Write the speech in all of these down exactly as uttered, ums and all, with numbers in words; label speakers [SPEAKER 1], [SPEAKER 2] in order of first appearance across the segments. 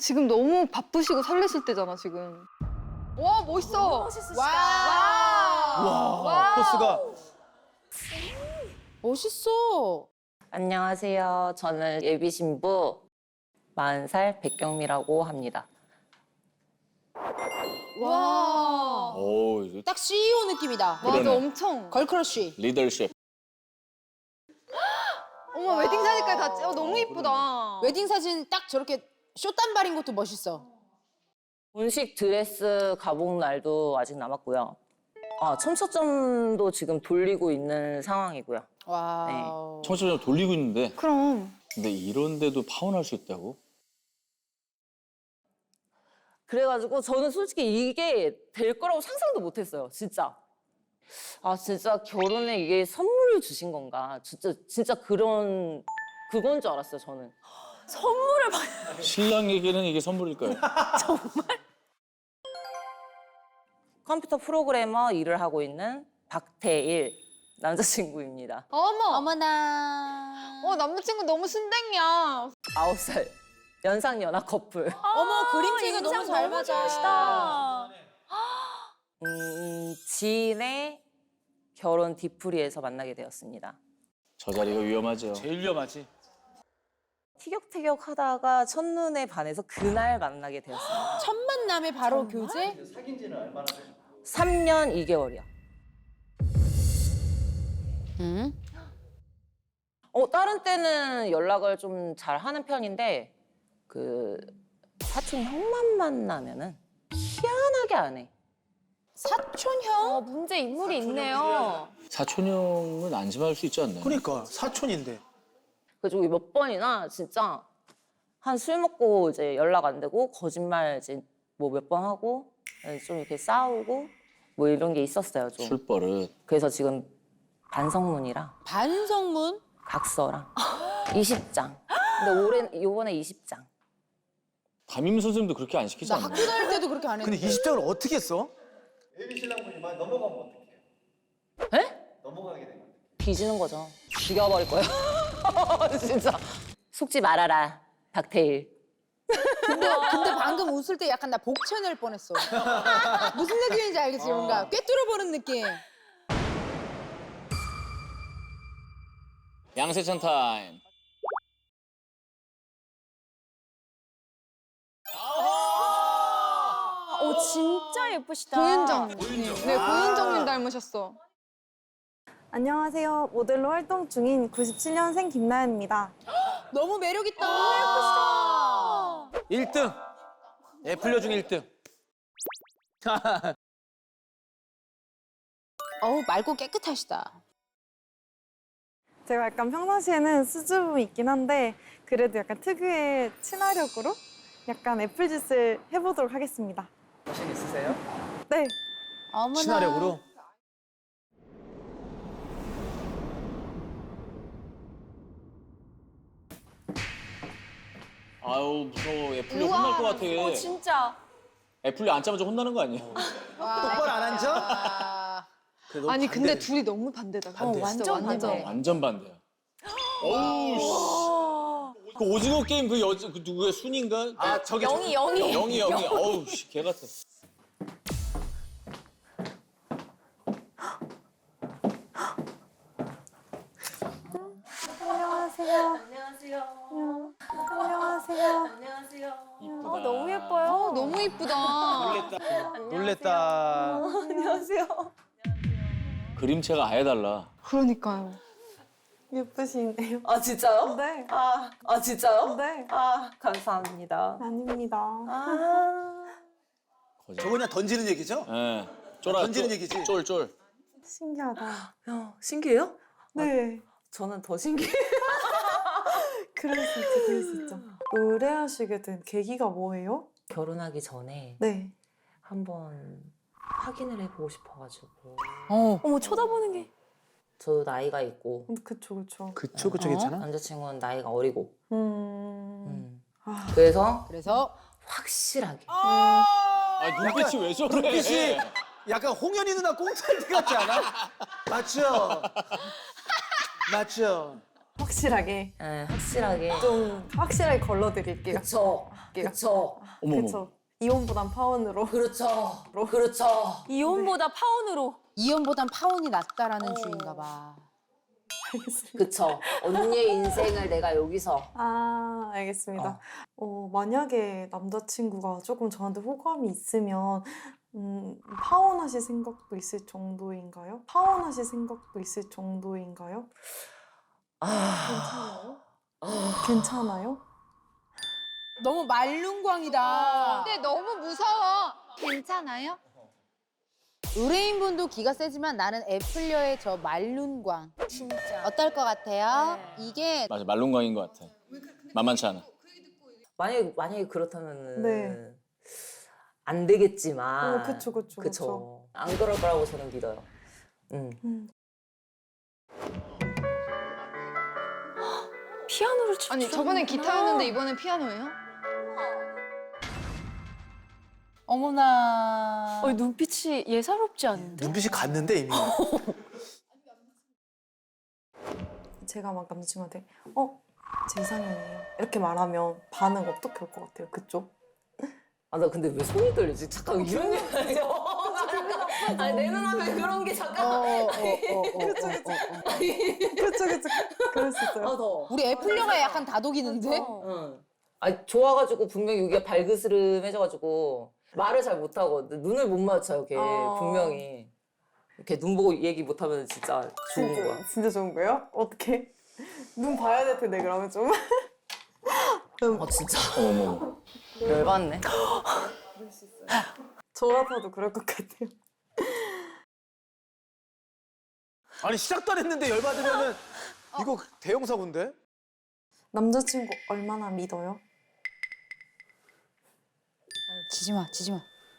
[SPEAKER 1] 지금 너무 바쁘시고 설레실 때잖아, 지금. 와, 멋있어.
[SPEAKER 2] 와.
[SPEAKER 3] 와, 포스가.
[SPEAKER 2] 멋있어.
[SPEAKER 4] 안녕하세요. 저는 예비 신부 마흔 살 백경미라고 합니다.
[SPEAKER 2] 와.
[SPEAKER 3] 오, 이거
[SPEAKER 2] 딱 씨이오 느낌이다.
[SPEAKER 1] 맞아,
[SPEAKER 3] 그러네.
[SPEAKER 1] 엄청.
[SPEAKER 2] 걸크러쉬.
[SPEAKER 3] 리더십.
[SPEAKER 1] 어머, 웨딩 사진까지 다 찍어. 너무 이쁘다.
[SPEAKER 2] 웨딩 사진 딱 저렇게 쇼단발인 것도 멋있어.
[SPEAKER 4] 본식 드레스 가복 날도 아직 남았고요. 아, 첨초점도 지금 돌리고 있는 상황이고요.
[SPEAKER 2] 와.
[SPEAKER 3] 청소년 돌리고 있는데.
[SPEAKER 1] 그럼.
[SPEAKER 3] 근데 이런데도 파혼할 수 있다고?
[SPEAKER 4] 그래가지고 저는 솔직히 이게 될 거라고 상상도 못했어요. 진짜. 아, 진짜 결혼에 이게 선물을 주신 건가. 진짜 진짜 그런 그건 줄 알았어요. 저는. 선물을 받.
[SPEAKER 3] 신랑에게는 이게 선물일까요?
[SPEAKER 4] 컴퓨터 프로그래머 일을 하고 있는 박태일 남자친구입니다.
[SPEAKER 1] 어머.
[SPEAKER 2] 어머나.
[SPEAKER 1] 어, 남자친구 너무 순댕이야.
[SPEAKER 4] 아홉 살 연상 연하 커플.
[SPEAKER 2] 어머 그림체가 너무 잘 맞아.
[SPEAKER 4] 음, 지인의 결혼 뒤풀이에서 만나게 되었습니다.
[SPEAKER 3] 저 자리가 위험하죠.
[SPEAKER 5] 제일 위험하지.
[SPEAKER 4] 티격태격 하다가 첫눈에 반해서 그날 만나게 되었습니다.
[SPEAKER 2] 첫 만남에 바로 교제?
[SPEAKER 4] 삼 년 이 개월이요.
[SPEAKER 2] 응.
[SPEAKER 4] 어, 다른 때는 연락을 좀 잘 하는 편인데 그 사촌 형만 만나면은 희한하게 안 해.
[SPEAKER 2] 사촌형?
[SPEAKER 1] 어, 문제 인물이 있네요.
[SPEAKER 3] 사촌형은 안심할 수 있지 않나요?
[SPEAKER 5] 그러니까 사촌인데.
[SPEAKER 4] 그래가지고 몇 번이나 진짜 한 술 먹고 이제 연락 안 되고 거짓말 이제 뭐 몇 번 하고 좀 이렇게 싸우고 뭐 이런 게 있었어요 좀.
[SPEAKER 3] 술버릇.
[SPEAKER 4] 그래서 지금 반성문이랑
[SPEAKER 2] 반성문?
[SPEAKER 4] 각서랑 이십 장. 근데 올해 요번에 이십 장.
[SPEAKER 3] 담임 선생님도 그렇게 안 시키지
[SPEAKER 2] 나
[SPEAKER 3] 않나요?
[SPEAKER 2] 학교 다닐 때도 그렇게 안
[SPEAKER 5] 근데
[SPEAKER 2] 했는데.
[SPEAKER 5] 이십 장을 어떻게 써?
[SPEAKER 6] 예비 신랑분이 만 넘어가면 어떡해요?
[SPEAKER 4] 에?
[SPEAKER 6] 넘어가게 되면
[SPEAKER 4] 뒤지는 거죠. 죽여버릴 거예요. 진짜. 속지 말아라, 박태일.
[SPEAKER 2] 근데, 근데 방금 웃을 때 약간 나 복채 낼 뻔했어. 무슨 느낌인지 알겠지? 뭔가 꿰뚫어보는 느낌.
[SPEAKER 3] 양세찬 타임.
[SPEAKER 7] 오 진짜 예쁘시다.
[SPEAKER 1] 고윤정. 네, 고윤정님 닮으셨어.
[SPEAKER 7] 안녕하세요. 모델로 활동 중인 구십칠 년생 김나연입니다.
[SPEAKER 2] 너무 매력있다. 너무 예쁘시다.
[SPEAKER 5] 일 등. 애플려 중 일 등.
[SPEAKER 2] 어우, 맑고 깨끗하시다.
[SPEAKER 7] 제가 약간 평상시에는 수줍음이 있긴 한데 그래도 약간 특유의 친화력으로 약간 애플짓을 해보도록 하겠습니다.
[SPEAKER 5] 자신 있으세요?
[SPEAKER 7] 네.
[SPEAKER 2] 어머나.
[SPEAKER 5] 친화력으로.
[SPEAKER 3] 아유 무서워. 애플리
[SPEAKER 1] 우와.
[SPEAKER 3] 혼날 것 같아.
[SPEAKER 7] 어 진짜.
[SPEAKER 3] 애플리 앉자마자 혼나는 거 아니야?
[SPEAKER 5] 똑바로 안 앉아?
[SPEAKER 2] 아,
[SPEAKER 5] 그래, 너무
[SPEAKER 1] 아니, 근데
[SPEAKER 5] 반대네.
[SPEAKER 1] 둘이 너무 반대다.
[SPEAKER 5] 반대.
[SPEAKER 1] 어,
[SPEAKER 7] 완전
[SPEAKER 1] 완전
[SPEAKER 7] 반대.
[SPEAKER 3] 완전 반대야. 어우 씨. 그 오징어 게임 그 여자 그 누구야 순인가?
[SPEAKER 5] 아 저기
[SPEAKER 7] 영희 영희.
[SPEAKER 3] 영희 영희. 어우 씨, 개 같아.
[SPEAKER 7] 안녕하세요.
[SPEAKER 4] 안녕하세요.
[SPEAKER 7] 안녕하세요.
[SPEAKER 4] 안녕하세요.
[SPEAKER 7] 어, 너무 예뻐요.
[SPEAKER 1] 어, 너무 이쁘다.
[SPEAKER 5] 놀랬다.
[SPEAKER 7] 안녕하세요.
[SPEAKER 3] 그림체가 아예 달라.
[SPEAKER 1] 그러니까요.
[SPEAKER 7] 예쁘시네요.
[SPEAKER 4] 아 진짜요?
[SPEAKER 7] 네.
[SPEAKER 4] 아, 아 진짜요?
[SPEAKER 7] 네.
[SPEAKER 4] 아 감사합니다.
[SPEAKER 7] 아닙니다.
[SPEAKER 4] 아.
[SPEAKER 3] 거짓말.
[SPEAKER 5] 저거 그냥 던지는 얘기죠?
[SPEAKER 3] 예. 쫄아.
[SPEAKER 5] 던지는
[SPEAKER 3] 쫄,
[SPEAKER 5] 얘기지?
[SPEAKER 3] 쫄 쫄.
[SPEAKER 7] 신기하다.
[SPEAKER 4] 야, 신기해요?
[SPEAKER 7] 네.
[SPEAKER 4] 저는 더 신기해요.
[SPEAKER 7] 그럴 수 있죠. 그럴 수 있죠. 의뢰하시게 된 계기가 뭐예요?
[SPEAKER 4] 결혼하기 전에
[SPEAKER 7] 네.
[SPEAKER 4] 한번 확인을 해보고 싶어가지고.
[SPEAKER 2] 어.
[SPEAKER 7] 어머 쳐다보는 게.
[SPEAKER 4] 저도 나이가 있고
[SPEAKER 7] 그쵸 그쵸.
[SPEAKER 5] 그쵸 그쵸
[SPEAKER 2] 어?
[SPEAKER 5] 괜찮아?
[SPEAKER 4] 남자친구는 나이가 어리고.
[SPEAKER 7] 음.
[SPEAKER 4] 음.
[SPEAKER 7] 아.
[SPEAKER 4] 그래서
[SPEAKER 2] 그래서
[SPEAKER 4] 확실하게.
[SPEAKER 3] 아 눈빛이 왜 저래?
[SPEAKER 5] 눈빛이 약간 홍현이 누나 꽁트할 때 같지 않아? 맞죠? 맞죠?
[SPEAKER 7] 확실하게
[SPEAKER 4] 네, 확실하게.
[SPEAKER 7] 좀 확실하게 걸러드릴게요.
[SPEAKER 4] 그쵸.
[SPEAKER 7] 할게요.
[SPEAKER 4] 그쵸.
[SPEAKER 3] 어머머.
[SPEAKER 7] 그쵸. 이온보단 파운으로.
[SPEAKER 4] 그렇죠. 그렇죠.
[SPEAKER 2] 이온보다 파운으로. 이온보단 파운이 낫다라는
[SPEAKER 7] 어.
[SPEAKER 2] 주의인가 봐.
[SPEAKER 4] 그쵸. 언니의 인생을 내가 여기서.
[SPEAKER 7] 아, 알겠습니다. 어, 만약에 남자친구가 조금 저한테 호감이 있으면 음, 파혼하실 생각도 있을 정도인가요? 파혼하실 생각도 있을 정도인가요?
[SPEAKER 4] 아.
[SPEAKER 7] 괜찮아요? 괜찮아요?
[SPEAKER 2] 너무 말lun광이다.
[SPEAKER 1] 근데 너무 무서워. 괜찮아요?
[SPEAKER 2] 의뢰인분도 기가 세지만 나는 애플녀의 저 말룬광. 진짜. 어떨 것 같아요? 이게
[SPEAKER 3] 맞아, 말론광인 것 같아. 만만치 않아.
[SPEAKER 4] 만약에, 만약에 그렇다면은.
[SPEAKER 7] 네.
[SPEAKER 4] 안 되겠지만.
[SPEAKER 7] 어, 그쵸, 그쵸, 그쵸.
[SPEAKER 4] 안 그럴 거라고 저는 믿어요. 음.
[SPEAKER 7] 음.
[SPEAKER 1] 피아노를 치 아니 저번엔 기타였는데 이번엔 피아노예요?
[SPEAKER 2] 어머나.
[SPEAKER 1] 어, 눈빛이 예사롭지 않은데?
[SPEAKER 5] 눈빛이 갔는데 이미.
[SPEAKER 7] 제가 막 남자친구한테 어? 제 이상형이에요. 이렇게 말하면 반응 어떻게 할 것 같아요? 그쪽?
[SPEAKER 4] 아, 나 근데 왜 손이 떨리지? 잠깐 이런 게 아니죠. 아니, 내 눈앞에 그런 게
[SPEAKER 2] 어,
[SPEAKER 4] 잠깐.
[SPEAKER 2] 어, 어, 어, 어, 어, 어.
[SPEAKER 7] 그쵸, 그쵸. 그럴 수 있어요.
[SPEAKER 4] 아, 더.
[SPEAKER 2] 우리 애플녀가 약간 다독이는데?
[SPEAKER 4] 응. 아, 좋아가지고 분명히 여기가 발그스름해져가지고 말을 잘 못하고 눈을 못 맞춰요, 걔
[SPEAKER 7] 어.
[SPEAKER 4] 분명히. 이렇게 눈 보고 얘기 못하면 진짜 좋은 거야.
[SPEAKER 7] 진짜, 진짜 좋은 거예요? 어떻게? 눈 봐야 될 텐데 그러면 좀.
[SPEAKER 4] 아, 진짜
[SPEAKER 3] 어머머.
[SPEAKER 4] 열받네.
[SPEAKER 7] 저 같아도 그럴 것 같아요.
[SPEAKER 5] 아니 시작도 안 했는데 열받으면은 이거 대형 사고인데?
[SPEAKER 7] 남자친구 얼마나 믿어요?
[SPEAKER 2] 지지 마, 지지 마.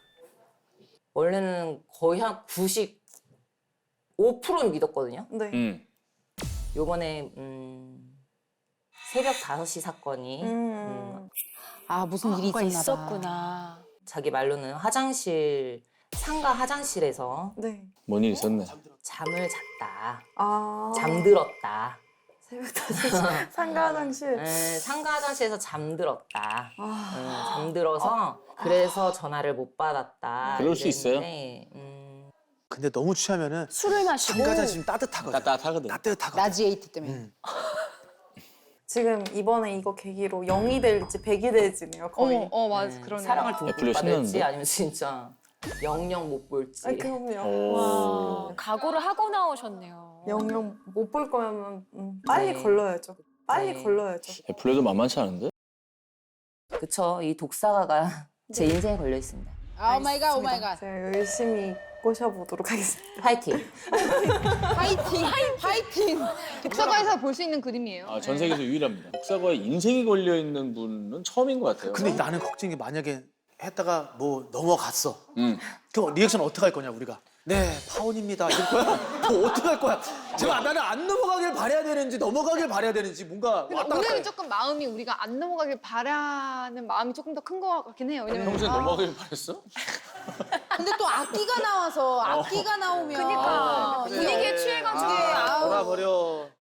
[SPEAKER 4] 원래는 거의 한 구십오 퍼센트는 믿었거든요.
[SPEAKER 7] 네.
[SPEAKER 3] 응.
[SPEAKER 4] 요번에 음, 새벽 다섯 시 사건이
[SPEAKER 7] 음.
[SPEAKER 4] 음,
[SPEAKER 2] 아, 무슨 일이 있었나 봐.
[SPEAKER 1] 있었구나.
[SPEAKER 4] 자기 말로는 화장실 상가 화장실에서
[SPEAKER 7] 네.
[SPEAKER 3] 뭔 일 있었네.
[SPEAKER 4] 잠을 잤다.
[SPEAKER 7] 아.
[SPEAKER 4] 잠들었다.
[SPEAKER 7] 새벽 다섯 시 상가 화장실.
[SPEAKER 4] 에, 상가 화장실에서 잠들었다.
[SPEAKER 7] 아.
[SPEAKER 4] 음, 잠들어서 그래서 전화를 못 받았다.
[SPEAKER 3] 그럴 수 있어요.
[SPEAKER 4] 이랬는데, 음,
[SPEAKER 5] 근데 너무 취하면은
[SPEAKER 1] 술을 마시고.
[SPEAKER 5] 상가자 지금 따뜻하거든.
[SPEAKER 3] 따뜻하거든.
[SPEAKER 5] 따뜻하거든.
[SPEAKER 2] 라지에이트 때문에.
[SPEAKER 5] 응.
[SPEAKER 7] 지금 이번에 이거 계기로 영이 될지 백이 될지네요, 거의.
[SPEAKER 1] 어머, 어 맞아,
[SPEAKER 4] 음,
[SPEAKER 1] 그러네.
[SPEAKER 4] 사랑을 듬뿍
[SPEAKER 3] 애플려
[SPEAKER 4] 받을지
[SPEAKER 3] 신나는데?
[SPEAKER 4] 아니면 진짜 영영 못 볼지.
[SPEAKER 7] 아, 그럼요.
[SPEAKER 3] 오.
[SPEAKER 1] 각오를 하고 나오셨네요.
[SPEAKER 7] 영영 못 볼 거면 음, 빨리
[SPEAKER 4] 네.
[SPEAKER 7] 걸러야죠. 빨리
[SPEAKER 4] 네.
[SPEAKER 7] 걸러야죠.
[SPEAKER 3] 애플려도 만만치 않은데?
[SPEAKER 4] 그쵸. 이 독사가가 제 인생에 걸려 있습니다.
[SPEAKER 2] 아, 오 마이 갓, 오 마이 갓.
[SPEAKER 7] 제가 열심히 꼬셔보도록 하겠습니다.
[SPEAKER 4] 파이팅.
[SPEAKER 2] 파이팅, 파이팅.
[SPEAKER 1] 독서가에서 볼 수 있는 그림이에요.
[SPEAKER 3] 아, 전 세계에서 유일합니다. 독사과에 인생이 걸려 있는 분은 처음인 것 같아요.
[SPEAKER 5] 근데 나는 걱정이 만약에 했다가 뭐 넘어갔어.
[SPEAKER 3] 응.
[SPEAKER 5] 그럼 리액션 어떻게 할 거냐 우리가? 네, 파혼입니다. 이럴 거야? 뭐 어떻게 할 거야? 제가 나는 안 넘어가길 바라야 되는지 넘어가길 바라야 되는지 뭔가
[SPEAKER 1] 근데
[SPEAKER 5] 왔다 갔다
[SPEAKER 1] 오늘은
[SPEAKER 5] 해.
[SPEAKER 1] 조금 마음이 우리가 안 넘어가길 바라는 마음이 조금 더 큰 것 같긴 해요. 왜냐면
[SPEAKER 3] 평소에
[SPEAKER 1] 아,
[SPEAKER 3] 넘어가길 바랬어?
[SPEAKER 2] 근데 또 악기가 나와서 악기가 나오면
[SPEAKER 1] 그니까
[SPEAKER 2] 아,
[SPEAKER 1] 분위기에 취해가지고
[SPEAKER 2] 아,
[SPEAKER 5] 돌아버려.